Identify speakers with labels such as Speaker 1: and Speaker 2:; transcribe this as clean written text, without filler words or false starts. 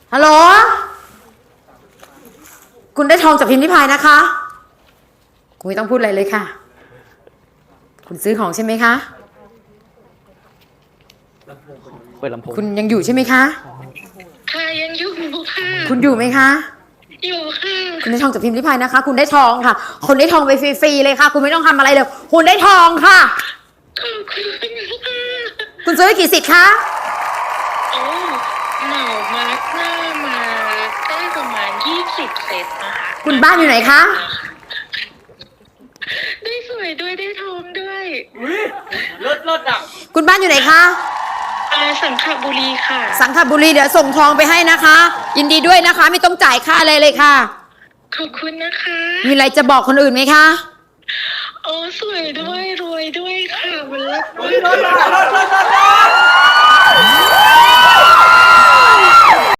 Speaker 1: ฮัลโหลคุณได้ทองจากพิมพ์ริพายนะคะคุณไม่ต้องพูดอะไรเลยค่ะคุณซื้อของใช่ไหมคะ
Speaker 2: เปิดลำโพง
Speaker 1: คุณยังอยู่ใช่ไหมคะ
Speaker 3: ค่ะยังอยู่ค่ะ
Speaker 1: คุณอยู่ไหมคะ
Speaker 3: อยู่ค่ะ
Speaker 1: คุณได้ทองจากพิมพ์ริพายนะคะคุณได้ทองค่ะคุณได้ทองไปฟรีๆเลยค่ะคุณไม่ต้องทำอะไรเลยคุณได้ทองค่ะ
Speaker 3: ขอบคุณค่ะ
Speaker 1: คุณซื้อไปกี่สิทธิ์คะ
Speaker 3: โอ้เหมามาร์กหน้ามาได้ประมาณ20 เซตนะคะ
Speaker 1: คุณบ้านอยู่ไหนคะ
Speaker 3: ได้สวยด้วยได้ทองด้วย
Speaker 2: เลิศอ่ะ
Speaker 1: คุณบ้านอยู่ไหนคะ
Speaker 3: สังขบุรีค่ะ
Speaker 1: สังขบุรีเดี๋ยวส่งทองไปให้นะคะ ยินดีด้วยนะคะไม่ต้องจ่ายค่าอะไรเลยค่ะ
Speaker 3: ขอบคุณนะคะ
Speaker 1: มีอะไรจะบอกคนอื่นไหมคะ
Speaker 3: โอ้สวยด้วยรวยด้วยค่ะมันเลิศ